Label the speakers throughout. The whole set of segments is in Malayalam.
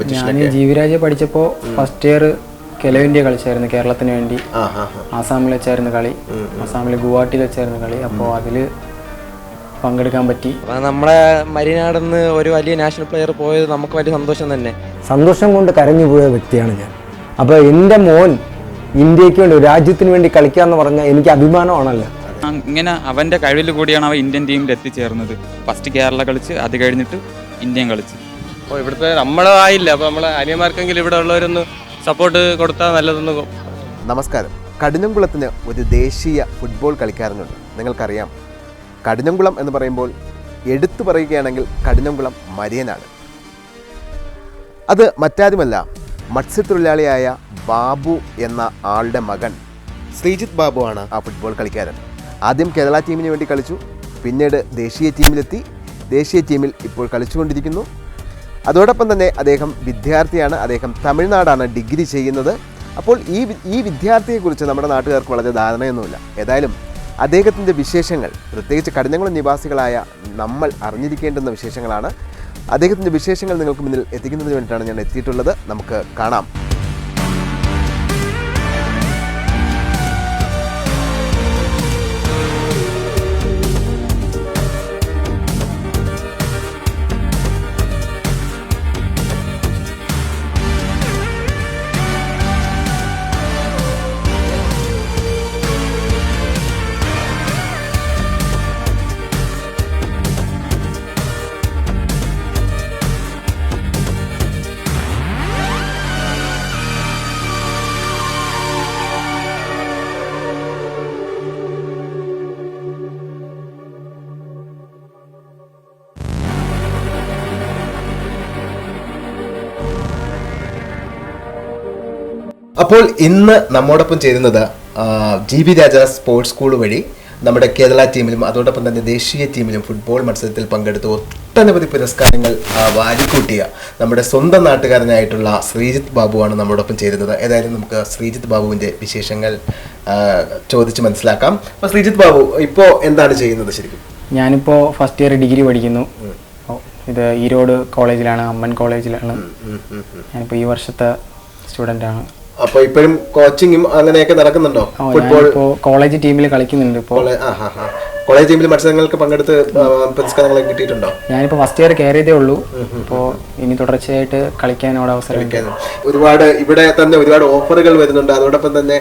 Speaker 1: ഞാൻ ജീവിരാജ് പഠിച്ചപ്പോൾ ഫസ്റ്റ് ഇയർ ഖേലോ ഇന്ത്യ കളിച്ചായിരുന്നു കേരളത്തിന് വേണ്ടി. ആസാമിൽ വെച്ചായിരുന്നു കളി, ആസാമിൽ ഗുവാഹട്ടിയിൽ വെച്ചായിരുന്നു കളി. അപ്പോൾ അതിൽ പങ്കെടുക്കാൻ പറ്റി.
Speaker 2: നമ്മളെ മരിനാടെന്ന് ഒരു വലിയ നാഷണൽ പ്ലെയർ പോയത് നമുക്ക് വലിയ സന്തോഷം തന്നെ.
Speaker 3: സന്തോഷം കൊണ്ട് കരഞ്ഞു പോയ വ്യക്തിയാണ് ഞാൻ. അപ്പോൾ എൻ്റെ മോൻ ഇന്ത്യക്ക് വേണ്ടി രാജ്യത്തിന് വേണ്ടി കളിക്കുക എന്ന് പറഞ്ഞാൽ എനിക്ക് അഭിമാനമാണല്ലോ.
Speaker 4: ഇങ്ങനെ അവൻ്റെ കഴിവിൽ കൂടിയാണ് അവൻ ഇന്ത്യൻ ടീമിൽ എത്തിച്ചേർന്നത്. ഫസ്റ്റ് കേരള കളിച്ച് അത് കഴിഞ്ഞിട്ട് ഇന്ത്യൻ കളിച്ച്.
Speaker 5: അപ്പോൾ ഇവിടുത്തെ നമ്മളായില്ല, അപ്പോൾ നമ്മളെ അനിയന്മാർക്കെങ്കിലും ഇവിടെ ഉള്ളവരൊന്ന് സപ്പോർട്ട് കൊടുത്താൽ നല്ലതെന്ന്.
Speaker 6: നമസ്കാരം. കഠിനംകുളത്തിന് ഒരു ദേശീയ ഫുട്ബോൾ കളിക്കാരനുണ്ട്. നിങ്ങൾക്കറിയാം, കഠിനംകുളം എന്ന് പറയുമ്പോൾ എടുത്തു പറയുകയാണെങ്കിൽ കഠിനംകുളം മരിയനാണ്. അത് മറ്റാരുമല്ല, മത്സ്യത്തൊഴിലാളിയായ ബാബു എന്ന ആളുടെ മകൻ ശ്രീജിത്ത് ബാബു ആണ് ആ ഫുട്ബോൾ കളിക്കാരൻ. ആദ്യം കേരള ടീമിന് വേണ്ടി കളിച്ചു, പിന്നീട് ദേശീയ ടീമിലെത്തി. ദേശീയ ടീമിൽ ഇപ്പോൾ കളിച്ചുകൊണ്ടിരിക്കുന്നു. അതോടൊപ്പം തന്നെ അദ്ദേഹം വിദ്യാർത്ഥിയാണ്. അദ്ദേഹം തമിഴ്നാടാണ് ഡിഗ്രി ചെയ്യുന്നത്. അപ്പോൾ ഈ വിദ്യാർത്ഥിയെക്കുറിച്ച് നമ്മുടെ നാട്ടുകാർക്ക് വളരെ ധാരണയൊന്നുമില്ല. ഏതായാലും അദ്ദേഹത്തിൻ്റെ വിശേഷങ്ങൾ, പ്രത്യേകിച്ച് കഠിനംകുളം നിവാസികളായ നമ്മൾ അറിഞ്ഞിരിക്കേണ്ടുന്ന വിശേഷങ്ങളാണ്. അദ്ദേഹത്തിൻ്റെ വിശേഷങ്ങൾ നിങ്ങൾക്ക് മുന്നിൽ എത്തിക്കുന്നതിന് വേണ്ടിയിട്ടാണ് ഞാൻ എത്തിയിട്ടുള്ളത്. നമുക്ക് കാണാം. അപ്പോൾ ഇന്ന് നമ്മോടൊപ്പം ചേരുന്നത് GB രാജ സ്പോർട്സ് സ്കൂൾ വഴി നമ്മുടെ കേരള ടീമിലും അതോടൊപ്പം തന്നെ ദേശീയ ടീമിലും ഫുട്ബോൾ മത്സരത്തിൽ പങ്കെടുത്ത് ഒട്ടനവധി പുരസ്കാരങ്ങൾ വാരിക്കൂട്ടിയ നമ്മുടെ സ്വന്തം നാട്ടുകാരനായിട്ടുള്ള ശ്രീജിത്ത് ബാബുവാണ് നമ്മോടൊപ്പം ചേരുന്നത്. ഏതായാലും നമുക്ക് ശ്രീജിത്ത് ബാബുവിൻ്റെ വിശേഷങ്ങൾ ചോദിച്ച് മനസ്സിലാക്കാം. അപ്പോൾ ശ്രീജിത്ത് ബാബു ഇപ്പോൾ എന്താണ് ചെയ്യുന്നത് ശരിക്കും?
Speaker 1: ഞാനിപ്പോൾ ഫസ്റ്റ് ഇയർ ഡിഗ്രി പഠിക്കുന്നു. ഇത് ഈരോട് കോളേജിലാണ്, അമ്മൻ കോളേജിലാണ്. ഞാനിപ്പോൾ ഈ വർഷത്തെ സ്റ്റുഡൻ്റാണ്.
Speaker 6: അപ്പോൾ ഇപ്പോഴും കോച്ചിങ്ങും അങ്ങനെയൊക്കെ നടക്കുന്നുണ്ടോ? ഫുട്ബോൾ
Speaker 1: കോളേജ് ടീമിൽ കളിക്കുന്നുണ്ട്. ഇപ്പോൾ
Speaker 6: കോളേജ് ടീമിൽ മത്സരങ്ങൾക്ക് പങ്കെടുത്ത് പുരസ്കാരങ്ങളൊക്കെ കിട്ടിയിട്ടുണ്ടോ?
Speaker 1: ഞാനിപ്പോൾ ഫസ്റ്റ് ഇയർ കയറിയതേ ഉള്ളൂ. ഇപ്പോൾ ഇനി തുടർച്ചയായിട്ട് കളിക്കാനോട് അവസരം.
Speaker 6: ഒരുപാട് ഇവിടെ തന്നെ ഒരുപാട് ഓഫറുകൾ വരുന്നുണ്ട്. അതോടൊപ്പം തന്നെ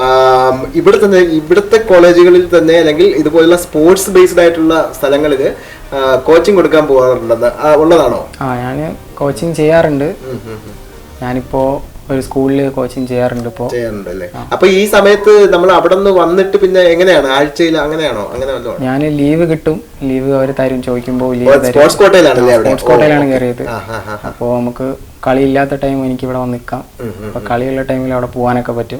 Speaker 6: ഇവിടുത്തെ കോളേജുകളിൽ തന്നെ അല്ലെങ്കിൽ ഇതുപോലുള്ള സ്പോർട്സ് ബേസ്ഡ് ആയിട്ടുള്ള സ്ഥലങ്ങളിൽ കോച്ചിങ് കൊടുക്കാൻ പോകാറുണ്ടെന്ന് ഉള്ളതാണോ?
Speaker 1: ഞാൻ കോച്ചിങ് ചെയ്യാറുണ്ട്. ഞാനിപ്പോൾ ഒരു സ്കൂളിൽ കോച്ചിങ് ചെയ്യാറുണ്ട്. ഇപ്പോൾ
Speaker 6: ചെയ്യാറുണ്ടല്ലേ? അപ്പൊ ഈ സമയത്ത് നമ്മൾ അവിടെ നിന്ന് വന്നിട്ട് പിന്നെ എങ്ങനെയാണ്, ആഴ്ചയിൽ അങ്ങനെയാണോ? അങ്ങനെ
Speaker 1: ഞാൻ ലീവ് കിട്ടും, ലീവ് അവർ തരും. ചോദിക്കുമ്പോൾ
Speaker 6: സ്പോർട്സ്
Speaker 1: കോട്ടയിലാണ് കയറിയത്. അപ്പോൾ നമുക്ക് കളി ഇല്ലാത്ത ടൈം എനിക്ക് ഇവിടെ വന്ന് നിൽക്കാം. അപ്പൊ കളിയുള്ള ടൈമിൽ അവിടെ പോകാനൊക്കെ പറ്റും.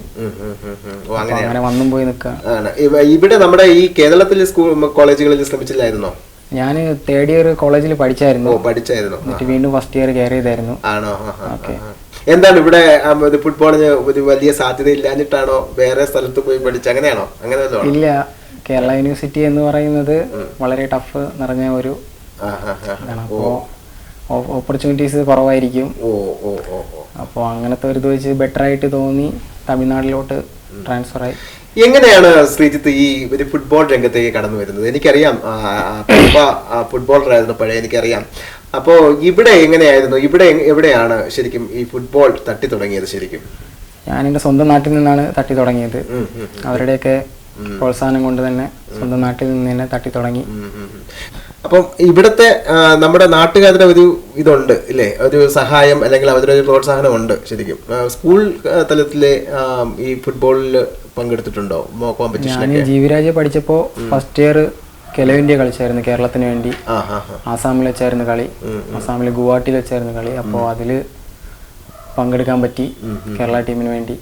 Speaker 1: അങ്ങനെ വന്നും പോയി നിൽക്കാം.
Speaker 6: ഇവിടെ നമ്മുടെ ഈ കേരളത്തിലെ സ്കൂൾ കോളേജുകളിൽ ശ്രമിച്ചില്ലായിരുന്നോ?
Speaker 1: ഞാൻ തേർഡ് ഇയർ കോളേജിൽ പഠിച്ചായിരുന്നു.
Speaker 6: എന്നിട്ട്
Speaker 1: വീണ്ടും ഫസ്റ്റ് ഇയർ കയറിയതായിരുന്നു.
Speaker 6: ആണോ? എന്താണ് ഇവിടെ ഫുട്ബോളിന് ഒരു വലിയ സാധ്യത ഇല്ലാഞ്ഞിട്ടാണോ വേറെ സ്ഥലത്ത് പോയി പഠിച്ച അങ്ങനെയാണോ? അങ്ങനെ
Speaker 1: ഇല്ല, കേരള യൂണിവേഴ്സിറ്റി എന്ന് പറയുന്നത് വളരെ ടഫ് നിറഞ്ഞ ഒരു ഇതാണ്. അപ്പോൾ ഓപ്പർച്യൂണിറ്റീസ് കുറവായിരിക്കും. അപ്പോൾ അങ്ങനത്തെ ഒരു ഇത് വെച്ച് ബെറ്റർ ആയിട്ട് തോന്നി തമിഴ്നാട്ടിലോട്ട് ട്രാൻസ്ഫർ ആയി.
Speaker 6: എങ്ങനെയാണ് ശ്രീജിത്ത് ഈ ഒരു ഫുട്ബോൾ രംഗത്തേക്ക് കടന്നു വരുന്നത്? എനിക്കറിയാം, ഫുട്ബോളറായിരുന്നു പഴയ, എനിക്കറിയാം. അപ്പോൾ ഇവിടെ എങ്ങനെയായിരുന്നു? എവിടെയാണ് ശരിക്കും ഈ ഫുട്ബോൾ തട്ടി തുടങ്ങിയത്? ശരിക്കും
Speaker 1: ഞാൻ എൻ്റെ സ്വന്തം നാട്ടിൽ നിന്നാണ് തട്ടി തുടങ്ങിയത്. അവരുടെയൊക്കെ പ്രോത്സാഹനം കൊണ്ട് തന്നെ സ്വന്തം നാട്ടിൽ നിന്ന് തന്നെ തട്ടി തുടങ്ങി.
Speaker 6: അപ്പം ഇവിടുത്തെ നമ്മുടെ നാട്ടുകാരുടെ ഒരു ഇതുണ്ട് ഇല്ലേ, ഒരു സഹായം അല്ലെങ്കിൽ അവരുടെ ഒരു പ്രോത്സാഹനം ഉണ്ട് ശരിക്കും. സ്കൂൾ തലത്തിലെ ഈ ഫുട്ബോളിൽ പങ്കെടുത്തിട്ടുണ്ടോ?
Speaker 1: ഞാൻ ജീവിരാജ് പഠിച്ചപ്പോൾ ഫസ്റ്റ് ഇയർ ഖേലോ ഇന്ത്യ കളിച്ചായിരുന്നു കേരളത്തിന് വേണ്ടി. ആസാമിൽ വെച്ചായിരുന്നു കളി, ആസാമിൽ ഗുവാഹട്ടിയിൽ വെച്ചായിരുന്നു കളി. അപ്പോൾ അതിൽ പങ്കെടുക്കാൻ പറ്റി കേരള ടീമിന് വേണ്ടി.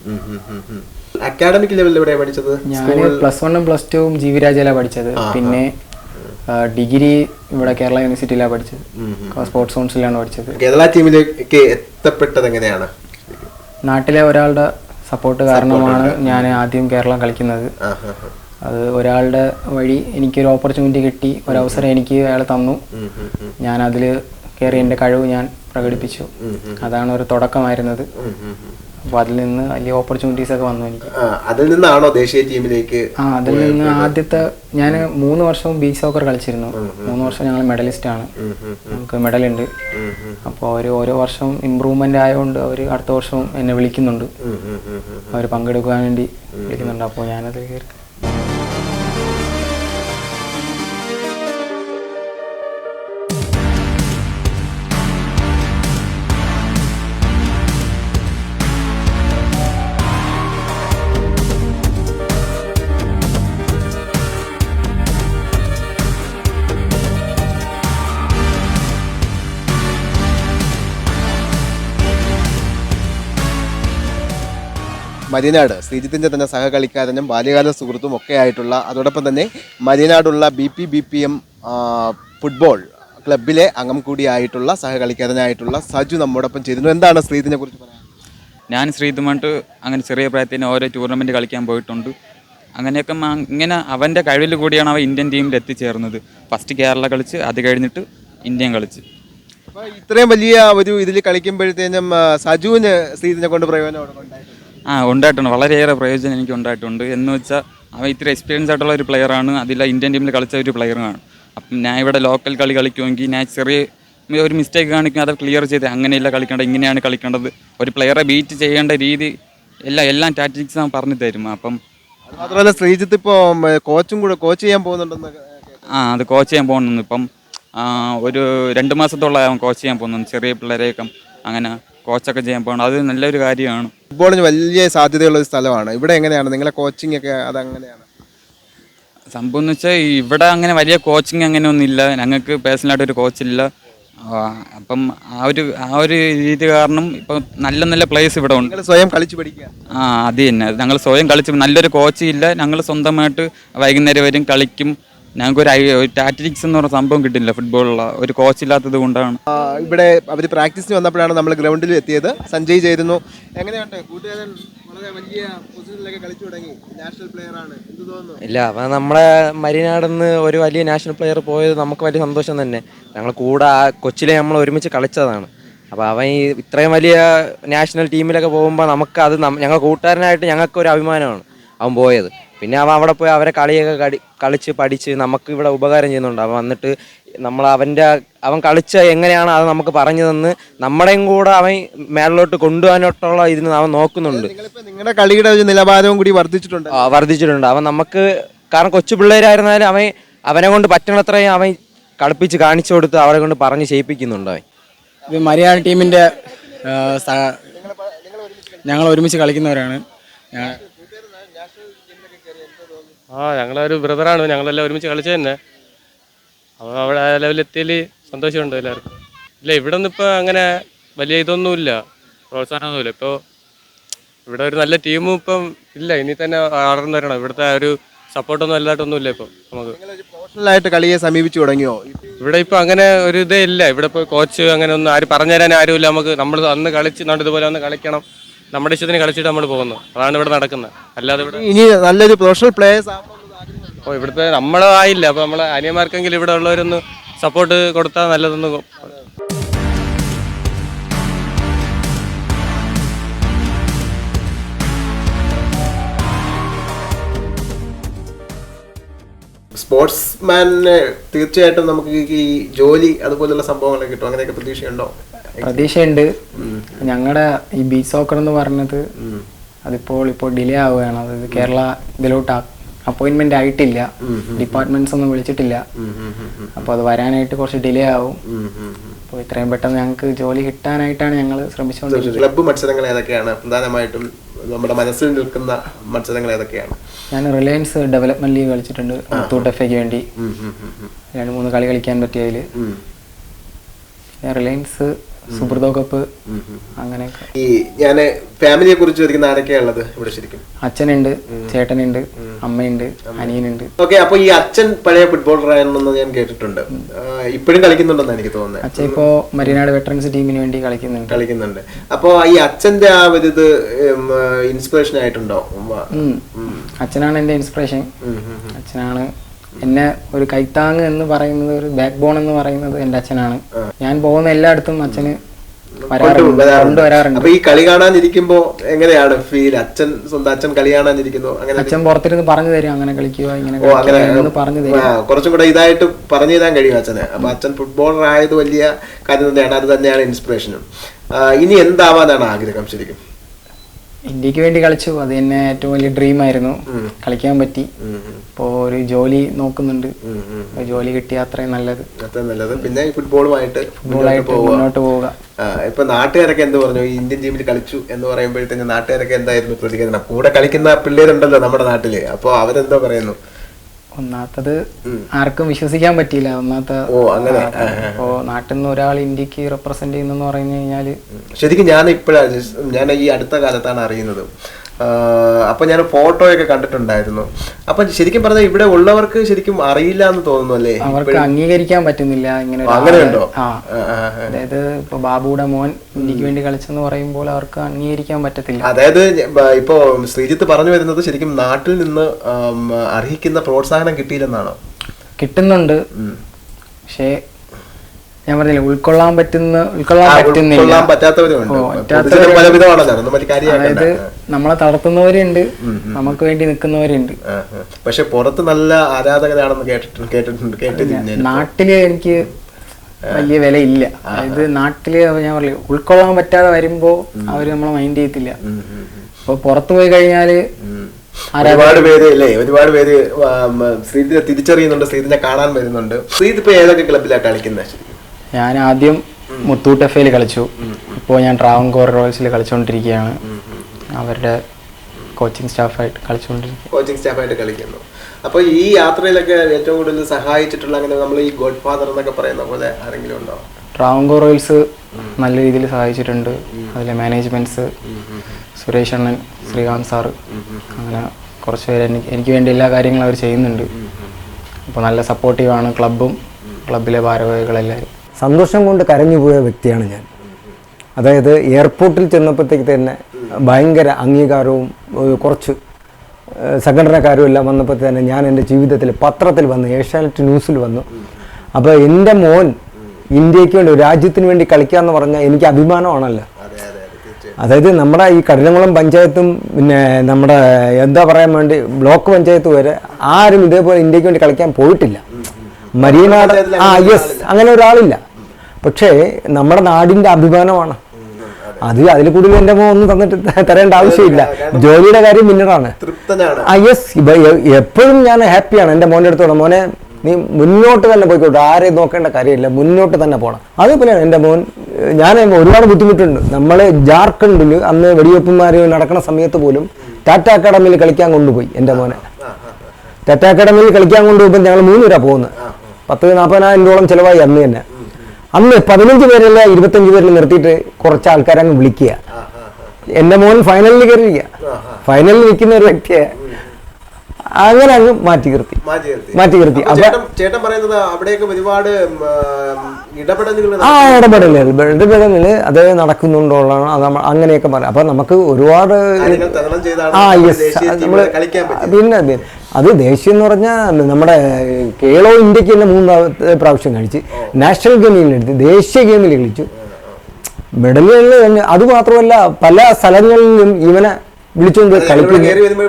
Speaker 6: അക്കാഡമിക് ലെവലിൽ എവിടെയാണ് പഠിച്ചത്?
Speaker 1: ഞാൻ +1ഉം +2ഉം ജീവിരാജിലാണ് പഠിച്ചത്. പിന്നെ ഡിഗ്രി ഇവിടെ കേരള യൂണിവേഴ്സിറ്റിയിലാണ് പഠിച്ചത്. സ്പോർട്സ് കൗൺസിലാണ് പഠിച്ചത്.
Speaker 6: കേരള ടീമിലേക്ക് എത്തപ്പെട്ടത് എങ്ങനെയാണ്?
Speaker 1: നാട്ടിലെ ഒരാളുടെ സപ്പോർട്ട് കാരണമാണ് ഞാൻ ആദ്യം കേരളം കളിക്കുന്നത്. അത് ഒരാളുടെ വഴി എനിക്കൊരു ഓപ്പർച്യൂണിറ്റി കിട്ടി, ഒരവസരം എനിക്ക് അയാൾ തന്നു. ഞാൻ അതിൽ കയറി എൻ്റെ കഴിവ് ഞാൻ പ്രകടിപ്പിച്ചു. അതാണ് ഒരു തുടക്കമായിരുന്നത്. അപ്പോൾ അതിൽ നിന്ന് വലിയ ഓപ്പർച്യൂണിറ്റീസ് ഒക്കെ വന്നു എനിക്ക്.
Speaker 6: അതിൽ നിന്നാണോ ദേശീയ ടീമിലേക്ക്?
Speaker 1: അതിൽ നിന്ന് ആദ്യത്തെ ഞാൻ 3 വർഷവും ബീച്ച് സോക്കർ കളിച്ചിരുന്നു. 3 വർഷം ഞങ്ങൾ മെഡലിസ്റ്റ് ആണ്, നമുക്ക് മെഡലുണ്ട്. അപ്പോൾ അവർ ഓരോ വർഷവും ഇമ്പ്രൂവ്മെന്റ് ആയതുകൊണ്ട് അവർ അടുത്ത വർഷവും എന്നെ വിളിക്കുന്നുണ്ട്, അവർ പങ്കെടുക്കാൻ വേണ്ടി വിളിക്കുന്നുണ്ട്. അപ്പോൾ ഞാനത് കയറി.
Speaker 6: മരിയനാട് ശ്രീജിത്തിൻ്റെ തന്നെ സഹകളിക്കാരനും ബാല്യകാല സുഹൃത്തും ഒക്കെ ആയിട്ടുള്ള, അതോടൊപ്പം തന്നെ മരിയനാടുള്ള BPBPM ഫുട്ബോൾ ക്ലബിലെ അംഗം കൂടിയായിട്ടുള്ള സഹകളിക്കാരനായിട്ടുള്ള സജു നമ്മോടൊപ്പം ചേരുന്നു. എന്താണ് ശ്രീജിത്തിനെ കുറിച്ച് പറയാൻ?
Speaker 4: ഞാൻ ശ്രീതുമായിട്ട് അങ്ങനെ ചെറിയ പ്രായത്തിന് ഓരോ ടൂർണമെൻറ്റ് കളിക്കാൻ പോയിട്ടുണ്ട്. അങ്ങനെയൊക്കെ ഇങ്ങനെ അവൻ്റെ കഴിവിൽ കൂടിയാണ് അവൻ ഇന്ത്യൻ ടീമിൽ എത്തിച്ചേർന്നത്. ഫസ്റ്റ് കേരള കളിച്ച്, അത് കഴിഞ്ഞിട്ട് ഇന്ത്യൻ കളിച്ച്.
Speaker 6: അപ്പോൾ ഇത്രയും വലിയ ഒരു ഇതിൽ കളിക്കുമ്പോഴത്തേനും സജുവിന് ശ്രീജിത്തിനെ കൊണ്ട് പ്രയോജനം ഉണ്ടായിട്ടുണ്ട്?
Speaker 4: ഉണ്ടായിട്ടുണ്ട്, വളരെയേറെ പ്രയോജനം എനിക്ക് ഉണ്ടായിട്ടുണ്ട്. എന്ന് വെച്ചാൽ അവൻ ഇത്ര എക്സ്പീരിയൻസ് ആയിട്ടുള്ള ഒരു പ്ലെയറാണ്, അതിൽ ഇന്ത്യൻ ടീമിൽ കളിച്ച ഒരു പ്ലെയറാണ്. അപ്പം ഞാൻ ഇവിടെ ലോക്കൽ കളി കളിക്കുമെങ്കിൽ ഞാൻ ചെറിയ ഒരു മിസ്റ്റേക്ക് കാണിക്കും, അത് ക്ലിയർ ചെയ്ത് അങ്ങനെയല്ല കളിക്കേണ്ടത്, ഇങ്ങനെയാണ് കളിക്കേണ്ടത്, ഒരു പ്ലെയറെ ബീറ്റ് ചെയ്യേണ്ട രീതി എല്ലാം ടാക്ടിക്സ് ഞാൻ പറഞ്ഞു തരും. അപ്പം
Speaker 6: മാത്രമല്ല ശ്രീജിത്ത് ഇപ്പോൾ കോച്ച് ചെയ്യാൻ പോകുന്നുണ്ടെന്ന്.
Speaker 4: അത് കോച്ച് ചെയ്യാൻ പോകുന്നു. ഇപ്പം ഒരു 2 മാസത്തോളം അവൻ കോച്ച് ചെയ്യാൻ പോകുന്നു, ചെറിയ പിള്ളേരെയൊക്കെ അങ്ങനെ കോച്ചൊക്കെ ചെയ്യാൻ പോകണം. അത് നല്ലൊരു കാര്യമാണ്.
Speaker 6: ഫുട്ബോളിന് വലിയ സാധ്യതയുള്ള ഒരു സ്ഥലമാണ്. ഇവിടെ എങ്ങനെയാണ് നിങ്ങളെ കോച്ചിങ് ഒക്കെ? അതെങ്ങനെയാണ്
Speaker 4: സംഭവം എന്ന് വെച്ചാൽ ഇവിടെ അങ്ങനെ വലിയ കോച്ചിങ് അങ്ങനെ ഒന്നുമില്ല, ഞങ്ങൾക്ക് പേഴ്സണലായിട്ടൊരു കോച്ചില്ല. അപ്പം ആ ഒരു രീതി കാരണം ഇപ്പം നല്ല നല്ല പ്ലേയേഴ്സ് ഇവിടെ ഉണ്ട്.
Speaker 6: സ്വയം കളിച്ച് പഠിക്കുക.
Speaker 4: അത് തന്നെ, ഞങ്ങൾ സ്വയം കളിച്ച്, നല്ലൊരു കോച്ച് ഇല്ല, ഞങ്ങൾ സ്വന്തമായിട്ട് വൈകുന്നേരം വരും കളിക്കും. ഞങ്ങൾക്കൊരു ടാക്ടിക്സ് എന്ന് പറഞ്ഞ സംഭവം കിട്ടില്ല ഫുട്ബോളിലുള്ള, ഒരു കോച്ച് ഇല്ലാത്തത് കൊണ്ടാണ്.
Speaker 6: ഇവിടെ അവർ പ്രാക്ടീസിന് വന്നപ്പോഴാണ് നമ്മൾ ഗ്രൗണ്ടിൽ എത്തിയത്. സഞ്ജയ് ചേരുന്നു. എങ്ങനെയുണ്ട് കൂട്ടുകാരൻ? വളരെ വലിയ പൊസിഷനിലൊക്കെ കളിച്ചു തുടങ്ങി, നാഷണൽ പ്ലെയർ ആണ്, എന്ത് തോന്നുന്നു?
Speaker 2: ഇല്ല, അപ്പം നമ്മളെ മരിനാടെന്ന് ഒരു വലിയ നാഷണൽ പ്ലെയർ പോയത് നമുക്ക് വലിയ സന്തോഷം തന്നെ. ഞങ്ങൾ കൂടെ കൊച്ചിലെ നമ്മൾ ഒരുമിച്ച് കളിച്ചതാണ്. അപ്പോൾ അവൻ ഈ ഇത്രയും വലിയ നാഷണൽ ടീമിലൊക്കെ പോകുമ്പോൾ നമുക്ക് അത് ഞങ്ങൾ കൂട്ടുകാരനായിട്ട് ഞങ്ങൾക്കൊരു അഭിമാനമാണ് അവൻ പോയത്. പിന്നെ അവൻ അവിടെ പോയി അവരെ കളിയൊക്കെ കളിച്ച് പഠിച്ച് നമുക്ക് ഇവിടെ ഉപകാരം ചെയ്യുന്നുണ്ട്. അവൻ വന്നിട്ട് അവൻ കളിച്ച എങ്ങനെയാണ് അത് നമുക്ക് പറഞ്ഞു തന്ന് നമ്മുടെയും കൂടെ അവൻ മേളിലോട്ട് കൊണ്ടുപോകാനോട്ടുള്ള ഇതിന് അവൻ നോക്കുന്നുണ്ട്.
Speaker 6: നിങ്ങളുടെ കളിയുടെ ഒരു നിലവാരവും കൂടി
Speaker 2: വർദ്ധിച്ചിട്ടുണ്ട്. അവൻ നമുക്ക്, കാരണം കൊച്ചു പിള്ളേരായിരുന്നാലും അവനെ കൊണ്ട് പറ്റണത്രയും അവൻ കളിപ്പിച്ച് കാണിച്ചു കൊടുത്ത് അവരെ കൊണ്ട് പറഞ്ഞ് ചെയ്യിപ്പിക്കുന്നുണ്ട് അവൻ.
Speaker 1: ഇത് മരിയാട് ടീമിൻ്റെ ഞങ്ങൾ ഒരുമിച്ച് കളിക്കുന്നവരാണ്.
Speaker 5: ഞങ്ങളൊരു ബ്രദറാണ്, ഞങ്ങളെല്ലാം ഒരുമിച്ച് കളിച്ചത് തന്നെ. അപ്പോൾ അവിടെ ആ ലെവലെത്തിയതിൽ സന്തോഷമുണ്ട് എല്ലാവർക്കും. ഇല്ല, ഇവിടെ ഒന്നും ഇപ്പോൾ അങ്ങനെ വലിയ ഇതൊന്നുമില്ല, പ്രോത്സാഹനമൊന്നുമില്ല. ഇപ്പോൾ ഇവിടെ ഒരു നല്ല ടീമും ഇപ്പം ഇല്ല, ഇനി തന്നെ വളർന്നു വരണം. ഇവിടുത്തെ ഒരു സപ്പോർട്ടൊന്നും വലുതായിട്ടൊന്നുമില്ല ഇപ്പം നമുക്ക്.
Speaker 6: പ്രൊഫഷണലായിട്ട് കളിയെ സമീപിച്ചു തുടങ്ങിയോ?
Speaker 5: ഇവിടെ ഇപ്പോൾ അങ്ങനെ ഒരു ഇതേ ഇല്ല. ഇവിടെ ഇപ്പോൾ കോച്ച് അങ്ങനെ ഒന്നും പറഞ്ഞു തരാൻ ആരുമില്ല നമുക്ക്. നമ്മൾ അന്ന് കളിച്ച് ഇതുപോലെ ഒന്ന് കളിക്കണം, നമ്മുടെ ഇഷ്ടത്തിന് കളിച്ചിട്ട് നമ്മൾ പോകുന്നു. അതാണ് ഇവിടെ നടക്കുന്നത്. അല്ലാതെ ഇവിടെ
Speaker 6: ഇനി നല്ലൊരു പ്രൊഫഷണൽ പ്ലേയേഴ്സ്
Speaker 5: ഇവിടുത്തെ നമ്മളായില്ല. അപ്പോൾ നമ്മളെ അനിയന്മാർക്കെങ്കിലും ഇവിടെ ഉള്ളവരൊന്ന് സപ്പോർട്ട് കൊടുത്താൽ നല്ലതൊന്ന്.
Speaker 6: സ്പോർട്സ്മാന് തീർച്ചയായിട്ടും നമുക്ക് ഈ ജോലി അതുപോലുള്ള സംഭവങ്ങളൊക്കെ കിട്ടും, അങ്ങനെയൊക്കെ പ്രതീക്ഷയുണ്ടോ?
Speaker 1: പ്രതീക്ഷയുണ്ട്. ഞങ്ങളുടെ ഈ ബീച്ച് സോക്കർ എന്ന് പറഞ്ഞത് ഇപ്പോൾ ഡിലേ ആവുകയാണ്. അതായത് കേരള ഇതിലോട്ട് അപ്പോയിന്റ്മെന്റ് ആയിട്ടില്ല, ഡിപ്പാർട്ട്മെന്റ്സ് ഒന്നും വിളിച്ചിട്ടില്ല. അപ്പോൾ അത് വരാനായിട്ട് കുറച്ച് ഡിലേ ആവും. അപ്പോൾ ഇത്രയും പെട്ടെന്ന് ഞങ്ങൾക്ക് ജോലി കിട്ടാനായിട്ടാണ് ഞങ്ങൾ ശ്രമിച്ചുകൊണ്ടിരിക്കുന്നത്.
Speaker 6: ക്ലബ്ബ് മത്സരങ്ങൾ ഏതൊക്കെയാണ് പ്രധാനമായിട്ടും നമ്മുടെ മനസ്സിൽ നിൽക്കുന്ന മത്സരങ്ങൾ ഏതൊക്കെയാണ്?
Speaker 1: ഞാൻ റിലയൻസ് ഡെവലപ്മെന്റ് ലീഗ് കളിച്ചിട്ടുണ്ട്, മുത്തൂട്ട് FAക്ക് വേണ്ടി 2-3 കളി കളിക്കാൻ പറ്റിയതിൽ. റിലയൻസ്, സുബ്രതോ കപ്പ്, അങ്ങനെയൊക്കെ.
Speaker 6: ഈ ഞാൻ ഫാമിലിയെ കുറിച്ച് ചോദിക്കുന്ന ആരൊക്കെയാ ഉള്ളത് ഇവിടെ ശരിക്കും?
Speaker 1: അച്ഛനുണ്ട്, ചേട്ടനുണ്ട്, അമ്മയുണ്ട്, അനിയനുണ്ട്.
Speaker 6: ഓക്കെ, അപ്പൊ ഈ അച്ഛൻ പഴയ ഫുട്ബോളർ ആണെന്ന് ഞാൻ കേട്ടിട്ടുണ്ട്. ഇപ്പോഴും കളിക്കുന്നുണ്ടെന്ന് എനിക്ക് തോന്നുന്നത്.
Speaker 1: അച്ഛൻ ഇപ്പോ മരിനാട് വെറ്ററൻസ് ടീമിന് വേണ്ടി കളിക്കുന്നുണ്ട്.
Speaker 6: അപ്പൊ ഈ അച്ഛന്റെ ആ ഒരു ഇത് ഇൻസ്പിറേഷൻ ആയിട്ടുണ്ടോ?
Speaker 1: അച്ഛനാണ് എന്റെ ഇൻസ്പിറേഷൻ. അച്ഛനാണ് എന്നെ ഒരു കൈത്താങ് എന്ന് പറയുന്നത്, ഒരു ബാക്ക് ബോൺ എന്ന് പറയുന്നത് എൻ്റെ അച്ഛനാണ്. ഞാൻ പോകുന്ന എല്ലായിടത്തും അച്ഛന് കൊണ്ടുവരാറുണ്ട്.
Speaker 6: അപ്പൊ ഈ കളി കാണാനിരിക്കുമ്പോ എങ്ങനെയാണ് ഫീൽ? സ്വന്തം അച്ഛൻ കളി കാണാനിരിക്കുന്നു, അങ്ങനെ
Speaker 1: അച്ഛൻ പുറത്തിരുന്ന് പറഞ്ഞു തരും, അങ്ങനെ കളിക്കുക ഇങ്ങനെ പറഞ്ഞു തരും.
Speaker 6: കുറച്ചും കൂടെ ഇതായിട്ട് പറഞ്ഞു തരാൻ കഴിയും അച്ഛന്. അപ്പൊ അച്ഛൻ ഫുട്ബോളർ ആയത് വലിയ കാര്യം തന്നെയാണ്, അത് തന്നെയാണ് ഇൻസ്പിറേഷനും. ഇനി എന്താവാനാണ് ആഗ്രഹം ശരിക്കും?
Speaker 1: ഇന്ത്യക്ക് വേണ്ടി കളിച്ചു, അത് തന്നെ ഏറ്റവും വലിയ ഡ്രീം ആയിരുന്നു. കളിക്കാൻ പറ്റി. ഇപ്പോ ഒരു ജോലി നോക്കുന്നുണ്ട്, ജോലി കിട്ടിയ അത്രയും നല്ലത്.
Speaker 6: പിന്നെ ഫുട്ബോളുമായിട്ട്
Speaker 1: മുന്നോട്ട് പോവുക.
Speaker 6: ഇപ്പൊ നാട്ടുകാരൊക്കെ എന്ത് പറഞ്ഞു? ഈ ഇന്ത്യൻ ടീമിൽ കളിച്ചു എന്ന് പറയുമ്പോഴത്തേക്ക് നാട്ടുകാരൊക്കെ എന്തായിരുന്നു പ്രതികരണം? കൂടെ കളിക്കുന്ന പിള്ളേരുണ്ടല്ലോ നമ്മുടെ നാട്ടില്, അപ്പൊ അവരെന്തോ പറയുന്നു?
Speaker 1: ഒന്നാമത്തത് ആർക്കും വിശ്വസിക്കാൻ പറ്റിയില്ല. ഒന്നാമത്തെ ഇപ്പോ നാട്ടിൽ നിന്ന് ഒരാൾ ഇന്ത്യക്ക് റെപ്രസെന്റ് ചെയ്യുന്നെന്ന് പറഞ്ഞു കഴിഞ്ഞാല്
Speaker 6: ശരിക്കും ഞാൻ ഈ അടുത്ത കാലത്താണ് അറിയുന്നത്. അപ്പൊ ഞാൻ ഫോട്ടോയൊക്കെ കണ്ടിട്ടുണ്ടായിരുന്നു. അപ്പൊ ശരിക്കും പറഞ്ഞാൽ ഇവിടെ ഉള്ളവർക്ക് ശരിക്കും അറിയില്ല എന്ന് തോന്നുന്നു അല്ലേ?
Speaker 1: അവർക്ക് അംഗീകരിക്കാൻ പറ്റുന്നില്ല ഇങ്ങനെ.
Speaker 6: അങ്ങനെയുണ്ടോ?
Speaker 1: അതായത് ഇപ്പൊ ബാബുയുടെ മോൻ ഇന്ത്യക്ക് വേണ്ടി കളിച്ചെന്ന് പറയുമ്പോൾ അവർക്ക് അംഗീകരിക്കാൻ പറ്റത്തില്ല.
Speaker 6: അതായത് ഇപ്പോ ശ്രീജിത്ത് പറഞ്ഞു വരുന്നത് ശരിക്കും നാട്ടിൽ നിന്ന് അർഹിക്കുന്ന പ്രോത്സാഹനം കിട്ടിയില്ലെന്നാണോ?
Speaker 1: കിട്ടുന്നുണ്ട്, പക്ഷേ ഞാൻ പറഞ്ഞില്ല, ഉൾക്കൊള്ളാൻ പറ്റുന്നില്ല. അതായത് നമ്മളെ തളർത്തുന്നവരുണ്ട്, നമുക്ക് വേണ്ടി നിൽക്കുന്നവരുണ്ട്.
Speaker 6: പക്ഷെ പുറത്ത് നല്ല ആരാധകരാണെന്ന് കേട്ടിട്ടുണ്ട്.
Speaker 1: നാട്ടില് എനിക്ക് വലിയ വിലയില്ല. അതായത് നാട്ടില് ഞാൻ പറഞ്ഞില്ല, ഉൾക്കൊള്ളാൻ പറ്റാതെ വരുമ്പോ അവര് നമ്മളെ മൈൻഡ് ചെയ്യത്തില്ല. അപ്പൊ പുറത്തു പോയി കഴിഞ്ഞാല്
Speaker 6: ഒരുപാട് പേര് ശ്രീജിത്തിനെ തിരിച്ചറിയുന്നുണ്ട്, ശ്രീജിത്തിനെ കാണാൻ വരുന്നുണ്ട്. ശ്രീജിത്ത് ഇപ്പൊ ഏതൊക്കെ ക്ലബിലാണ് കളിക്കുന്നത്?
Speaker 1: ഞാൻ ആദ്യം മുത്തൂട്ട് എഫ് കളിച്ചു. ഇപ്പോൾ ഞാൻ ട്രാവൻകൂർ റോയൽസിൽ കളിച്ചുകൊണ്ടിരിക്കുകയാണ്. അവരുടെ കോച്ചിങ് സ്റ്റാഫായിട്ട്
Speaker 6: കളിക്കുന്നു. അപ്പോൾ ഈ യാത്രയിലൊക്കെ ഏറ്റവും കൂടുതൽ സഹായിച്ചിട്ടുള്ള, അങ്ങനെ നമ്മൾ ഈ ഗോഡ് ഫാദർ എന്നൊക്കെ പറയുന്ന പോലെ ആരെങ്കിലും ഉണ്ടോ?
Speaker 1: ട്രാവൻകൂർ റോയൽസ് നല്ല രീതിയിൽ സഹായിച്ചിട്ടുണ്ട്. അതിലെ മാനേജ്മെന്റ്സ്, സുരേഷ് അണ്ണൻ, ശ്രീകാന്ത് സാറ്, അങ്ങനെ കുറച്ച് പേര് എനിക്ക് വേണ്ടി എല്ലാ കാര്യങ്ങളും അവർ ചെയ്യുന്നുണ്ട്. അപ്പോൾ നല്ല സപ്പോർട്ടീവാണ് ക്ലബും ക്ലബിലെ ഭാരവാഹികളെല്ലാവരും.
Speaker 3: സന്തോഷം കൊണ്ട് കരഞ്ഞു പോയ വ്യക്തിയാണ് ഞാൻ. അതായത് എയർപോർട്ടിൽ ചെന്നപ്പോഴത്തേക്ക് തന്നെ ഭയങ്കര അംഗീകാരവും കുറച്ച് സംഘടനക്കാരും എല്ലാം വന്നപ്പോൾ തന്നെ ഞാൻ എൻ്റെ ജീവിതത്തിൽ പത്രത്തിൽ വന്നു, ഏഷ്യാനെറ്റ് ന്യൂസിൽ വന്നു. അപ്പോൾ എൻ്റെ മോൻ ഇന്ത്യക്ക് വേണ്ടി, രാജ്യത്തിന് വേണ്ടി കളിക്കുക എന്ന് പറഞ്ഞാൽ എനിക്ക് അഭിമാനമാണല്ലോ. അതായത് നമ്മുടെ ഈ കഠിനംകുളം പഞ്ചായത്തും പിന്നെ നമ്മുടെ എന്താ പറയാൻ വേണ്ടി ബ്ലോക്ക് പഞ്ചായത്ത് വരെ ആരും ഇതേപോലെ ഇന്ത്യക്ക് വേണ്ടി കളിക്കാൻ പോയിട്ടില്ല. മരീനാട് യെസ്, അങ്ങനെ ഒരാളില്ല. പക്ഷേ നമ്മുടെ നാടിൻ്റെ അഭിമാനമാണ് അത്. അതിൽ കൂടുതൽ എൻ്റെ മോൻ ഒന്നും തരേണ്ട ആവശ്യമില്ല. ജോലിയുടെ കാര്യം പിന്നീടാണ്. യെസ്, എപ്പോഴും ഞാൻ ഹാപ്പിയാണ് എൻ്റെ മോൻ്റെ അടുത്തോളം. മോനെ നീ മുന്നോട്ട് തന്നെ പോയിക്കോട്ടെ, ആരെയും നോക്കേണ്ട കാര്യമില്ല, മുന്നോട്ട് തന്നെ പോകണം. അതേപോലെയാണ് എൻ്റെ മോൻ. ഞാൻ ഒരുപാട് ബുദ്ധിമുട്ടുണ്ട്. നമ്മൾ ജാർഖണ്ഡിൽ അന്ന് വെടിവെപ്പുമാർ നടക്കുന്ന സമയത്ത് പോലും ടാറ്റ അക്കാഡമിയിൽ കളിക്കാൻ കൊണ്ടുപോയി എൻ്റെ മോനെ. ടാറ്റ അക്കാഡമിയിൽ കളിക്കാൻ കൊണ്ടുപോകുമ്പോൾ ഞങ്ങൾ 3 പേരാണ് പോകുന്നത്. 40,000-40,000 രൂപയോളം ചിലവായി അന്ന് തന്നെ. അന്ന് 15 പേരല്ല 25 പേരിൽ നിർത്തിയിട്ട് കുറച്ച് ആൾക്കാരെ അങ്ങ് വിളിക്കുക. എൻ്റെ മോൻ ഫൈനലിൽ കയറിയിരിക്കുക. ഫൈനലിൽ നിൽക്കുന്ന ഒരു വ്യക്തിയെ അങ്ങനെ അങ്ങ് മാറ്റി നിർത്തി.
Speaker 6: ചേട്ടൻ പറയുന്നത് അവിടെയൊക്കെ ഒരുപാട് ഇടപെടലുകൾ
Speaker 3: അത് നടക്കുന്നുണ്ടോളാണ് അങ്ങനെയൊക്കെ പറയാം. അപ്പൊ നമുക്ക് ഒരുപാട് പിന്നെ അത് ദേശീയം എന്ന് പറഞ്ഞാൽ നമ്മുടെ കേരളോ ഇന്ത്യക്ക് തന്നെ 3 പ്രാവശ്യം കളിച്ച്, നാഷണൽ ഗെയിമിൽ എടുത്ത്, ദേശീയ ഗെയിമിൽ കളിച്ചു, മെഡലുകളിൽ തന്നെ. അതുമാത്രമല്ല പല സ്ഥലങ്ങളിലും ഇവനെ വിളിച്ചുകൊണ്ട് കളിക്കുന്നു.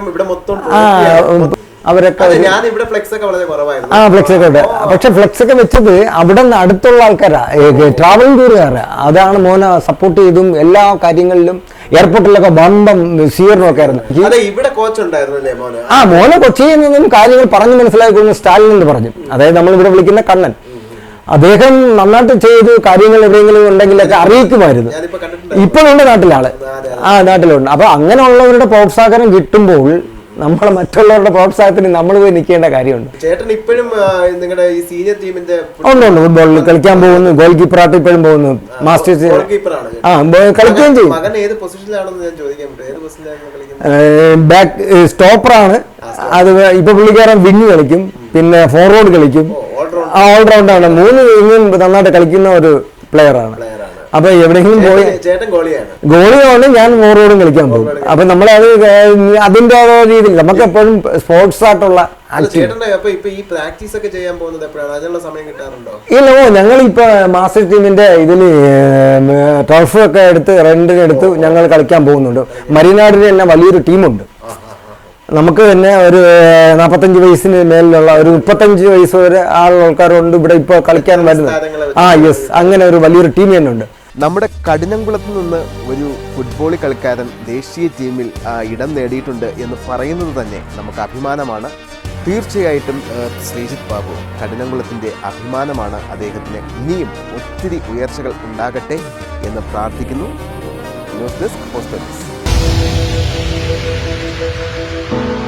Speaker 3: അവരൊക്കെ ഫ്ലെക്സ് ഒക്കെ ഉണ്ട്. പക്ഷെ ഫ്ലെക്സ് ഒക്കെ വെച്ചത് അവിടെ നിന്ന് അടുത്തുള്ള ആൾക്കാരാ, ട്രാവലിംഗ് ടൂറുകാരാ. അതാണ് മോനെ സപ്പോർട്ട് ചെയ്തും എല്ലാ കാര്യങ്ങളിലും. എയർപോർട്ടിലൊക്കെ ബമ്പം സ്വീകരണമൊക്കെ ആയിരുന്നു. മോനെ കൊച്ചിയിൽ നിന്നും കാര്യങ്ങൾ പറഞ്ഞു മനസ്സിലാക്കി സ്റ്റാലിൻ എന്ന് പറഞ്ഞു. അതായത് നമ്മളിവിടെ വിളിക്കുന്ന കണ്ണൻ. അദ്ദേഹം നന്നായിട്ട് ചെയ്ത് കാര്യങ്ങൾ എവിടെയെങ്കിലും ഉണ്ടെങ്കിലൊക്കെ അറിയിക്കുമായിരുന്നു. ഇപ്പോഴുണ്ട് നാട്ടിലാള്. നാട്ടിലുണ്ട്. അപ്പൊ അങ്ങനെയുള്ളവരുടെ പ്രോത്സാഹനം കിട്ടുമ്പോൾ നമ്മളെ മറ്റുള്ളവരുടെ പ്രോത്സാഹനത്തിന് നമ്മൾ പോയി നിൽക്കേണ്ട കാര്യമുണ്ട്.
Speaker 6: ചേട്ടൻ ഇപ്പോഴും നിങ്ങളുടെ ഈ സീനിയർ ടീമിന്റെ
Speaker 3: ഉണ്ട് ഫുട്ബോളിൽ കളിക്കാൻ പോകുന്നു. ഗോൾ കീപ്പറായിട്ട് ഇപ്പോഴും പോകുന്നു. മാസ്റ്റേഴ്സ് കളിക്കുകയും ചെയ്യും. ബാക്ക് സ്റ്റോപ്പറാണ്. അത് ഇപ്പൊ പുള്ളിക്കാരൻ വിങ് കളിക്കും, പിന്നെ ഫോർവേഡ് കളിക്കും. ഓൾറൗണ്ടാണ്. 3 വിങ്ങും നന്നായിട്ട് കളിക്കുന്ന ഒരു പ്ലെയറാണ്. അപ്പൊ എവിടെയെങ്കിലും പോയി ഗോളിയാണ്, ഞാൻ ഫോർവേഡും കളിക്കാൻ പോകും. അപ്പൊ നമ്മളത് അതിൻ്റെ രീതിയിൽ നമുക്ക് എപ്പോഴും സ്പോർട്സ് ആയിട്ടുള്ള
Speaker 6: ചേട്ടൻ്റെ അപ്പൊ ഇപ്പൊ ഈ പ്രാക്ടീസ് ഒക്കെ ചെയ്യാൻ പോകുന്നത് എപ്പോഴാണ്? അതിനുള്ള സമയം കിട്ടാറുണ്ടോ?
Speaker 3: ഇല്ല, ഞങ്ങളിപ്പോൾ മാസ്റ്റർ ടീമിൻ്റെ ഇതിൽ ടർഫ് ഒക്കെ എടുത്ത് റെന്റിനെടുത്ത് ഞങ്ങൾ കളിക്കാൻ പോകുന്നുണ്ട്. മരിനാടിന് തന്നെ വലിയൊരു ടീമുണ്ട്. നമുക്ക് തന്നെ ഒരു 45 വയസ്സിന് മേലിലുള്ള ഒരു 35 വയസ്സ് വരെ ആൾക്കാരുണ്ട് ഇവിടെ ഇപ്പോൾ കളിക്കാൻ വരുന്നത്. യെസ്, അങ്ങനെ ഒരു വലിയൊരു ടീം തന്നെ ഉണ്ട്.
Speaker 6: നമ്മുടെ കഠിനംകുളത്ത് നിന്ന് ഒരു ഫുട്ബോൾ കളിക്കാരൻ ദേശീയ ടീമിൽ ഇടം നേടിയിട്ടുണ്ട് എന്ന് പറയുന്നത് തന്നെ നമുക്ക് അഭിമാനമാണ്. തീർച്ചയായിട്ടും ശ്രീജിത്ത് ബാബു കഠിനംകുളത്തിൻ്റെ അഭിമാനമാണ്. അദ്ദേഹത്തിന് ഇനിയും ഒത്തിരി ഉയർച്ചകൾ ഉണ്ടാകട്ടെ എന്ന് പ്രാർത്ഥിക്കുന്നു. News desk post.